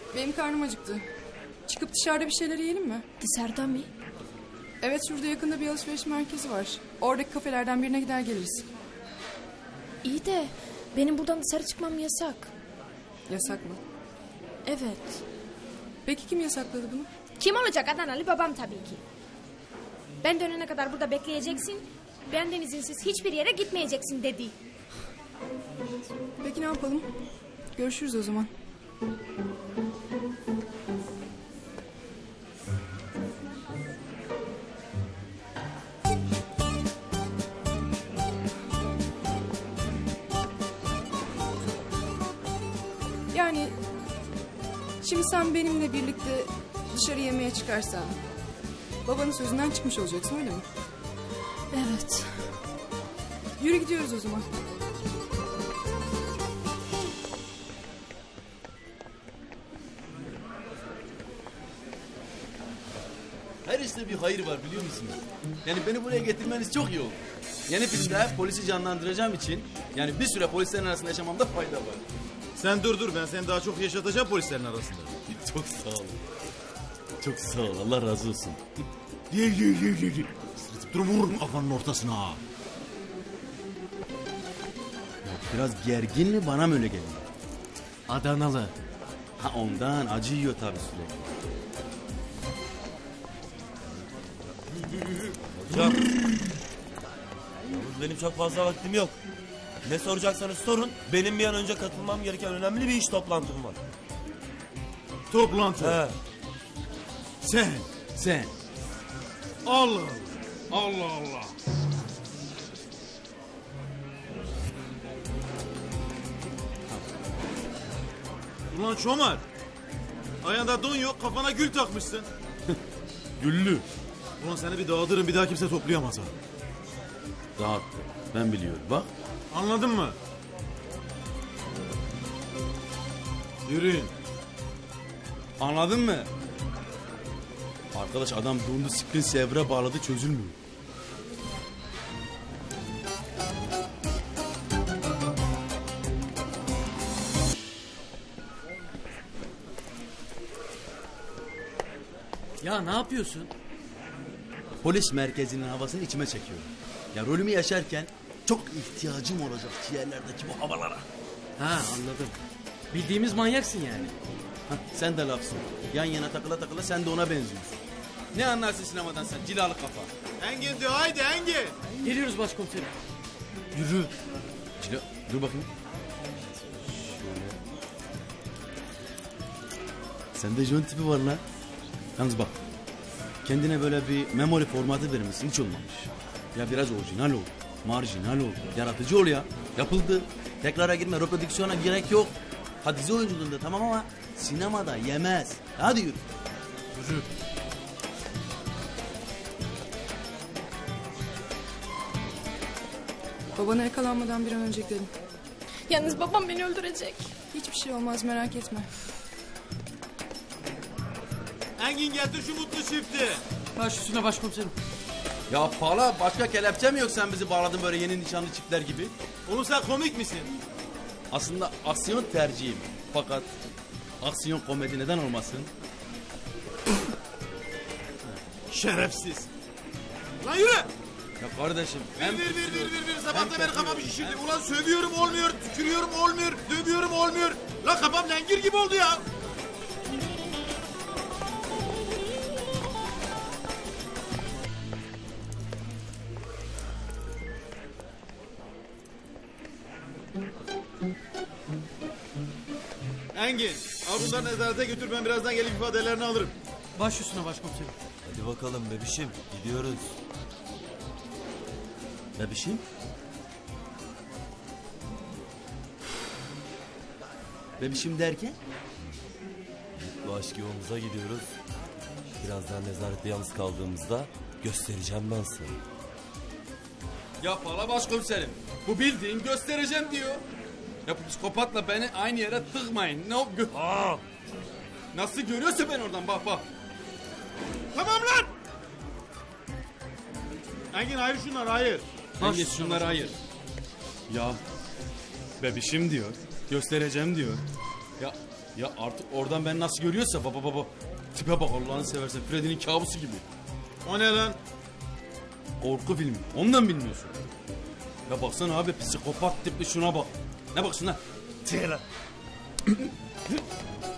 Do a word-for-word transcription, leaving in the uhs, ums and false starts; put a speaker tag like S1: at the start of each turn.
S1: Benim karnım acıktı. Çıkıp dışarıda bir şeyler yiyelim mi?
S2: Dışarıda mı?
S1: Evet, şurada yakında bir alışveriş merkezi var. Oradaki kafelerden birine gider geliriz.
S2: İyi de benim buradan dışarı çıkmam yasak.
S1: Yasak mı?
S2: Evet.
S1: Peki kim yasakladı bunu?
S2: Kim olacak Adanalı? Babam tabii ki. Ben dönene kadar burada bekleyeceksin. Benden izinsiz hiçbir yere gitmeyeceksin dedi.
S1: Peki ne yapalım? Görüşürüz o zaman. Yani şimdi sen benimle birlikte dışarı yemeğe çıkarsan babanın sözünden çıkmış olacaksın, öyle mi?
S2: Evet.
S1: Yürü gidiyoruz o zaman.
S3: Her işte bir hayır var, biliyor musunuz? Yani beni buraya getirmeniz çok iyi oldu. Yeni filmde polisi canlandıracağım için yani bir süre polislerin arasında yaşamamda fayda var.
S4: Sen dur dur, ben seni daha çok yaşatacağım polislerin arasında.
S3: Çok sağ ol. Çok sağ ol, Allah razı olsun.
S4: Gel gel gel gel. Sırıtıp dur, vururum kafanın ortasına.
S3: Ya biraz gergin mi, bana mı öyle geliyor?
S5: Adanalı.
S3: Ha ondan, acı yiyor tabii sürekli.
S6: Hocam. Yalnız benim çok fazla vaktim yok. Ne soracaksanız sorun. Benim bir an önce katılmam gereken önemli bir iş toplantım var.
S4: Toplantı.
S6: He.
S4: Sen.
S3: Sen.
S4: Allah Allah Allah. Ulan Çomar. Ayağında don yok, kafana gül takmışsın.
S3: Güllü.
S4: Ulan seni bir dağıtırım, bir daha kimse toplayamaz ha.
S3: Dağıttı. Ben biliyorum, bak.
S4: Anladın mı? Yürüyün.
S3: Anladın mı? Arkadaş adam dondu, screen saver'a bağladı, çözülmüyor.
S5: Ya ne yapıyorsun?
S3: Polis merkezinin havasını içime çekiyorum. Ya rolümü yaşarken çok ihtiyacım olacak ciğerlerdeki bu havalara.
S5: Ha, anladım. Bildiğimiz manyaksın yani.
S3: Hah, sen de lafsın. Yan yana takıla takıla sen de ona benziyorsun. Ne anlarsın sinemadan sen cilalı kafa.
S4: Engin diyor, haydi Engin.
S5: Geliyoruz başkomiserim.
S3: Yürü. Cila, dur bakayım. Şöyle. Sende jön tipi var lan. Yalnız bak. Kendine böyle bir memory formatı vermişsin, hiç olmamış. Ya biraz orijinal ol. Marjinal ol. Yaratıcı ol ya. Yapıldı. Tekrara girme, reprodüksiyona gerek yok. Ha dizi oyunculuğunda tamam ama sinemada yemez. Hadi yürü.
S4: Yürü.
S1: Babana yakalanmadan bir an önce gidelim.
S2: Yalnız babam beni öldürecek.
S1: Hiçbir şey olmaz, merak etme.
S4: Engin getir şu mutlu çifti.
S5: Baş üstüne başkomiserim.
S3: Ya Pala, başka kelepçe mi yok, sen bizi bağladın böyle yeni nişanlı çiftler gibi?
S4: Oğlum sen komik misin?
S3: Aslında aksiyon tercihim. Fakat aksiyon komedi neden olmasın?
S4: Şerefsiz. Lan yürü.
S3: Ya kardeşim
S4: Bir
S3: hem
S4: bir bir bir bir bir sabahta
S3: hem
S4: beni
S3: kötü
S4: kafamı
S3: yürü.
S4: şişirdi. Ulan sövüyorum olmuyor, tükürüyorum olmuyor, dövüyorum olmuyor. Lan kafam lengir gibi oldu ya. Engin, al bunları nezarete götür, ben birazdan gelip ifadelerini alırım.
S5: Baş üstüne başkomiserim.
S6: Hadi bakalım bebişim. Gidiyoruz.
S3: Bebişim? Bebişim derken?
S6: Bu aşk yolumuza gidiyoruz. Birazdan nezarette yalnız kaldığımızda göstereceğim ben sana.
S3: Ya Pala başkomiserim, bu bildiğin göstereceğim diyor. Ya bu psikopatla beni aynı yere tıkmayın. Ne o gö-
S6: Aa!
S3: Nasıl görüyorsa ben oradan, bak bak.
S4: Tamam lan! Engin hayır şunlar hayır.
S3: Hangi şunları hayır. Ya bebişim diyor. Göstereceğim diyor. Ya Ya artık oradan ben nasıl görüyorsa baba baba. Tipe bak Allah'ını seversen Freddy'nin kabusu gibi.
S4: O ne lan?
S3: Korku filmi. Ondan bilmiyorsun. Ya baksana abi psikopat tipli şuna bak. Ne baksın lan?
S4: Tihla.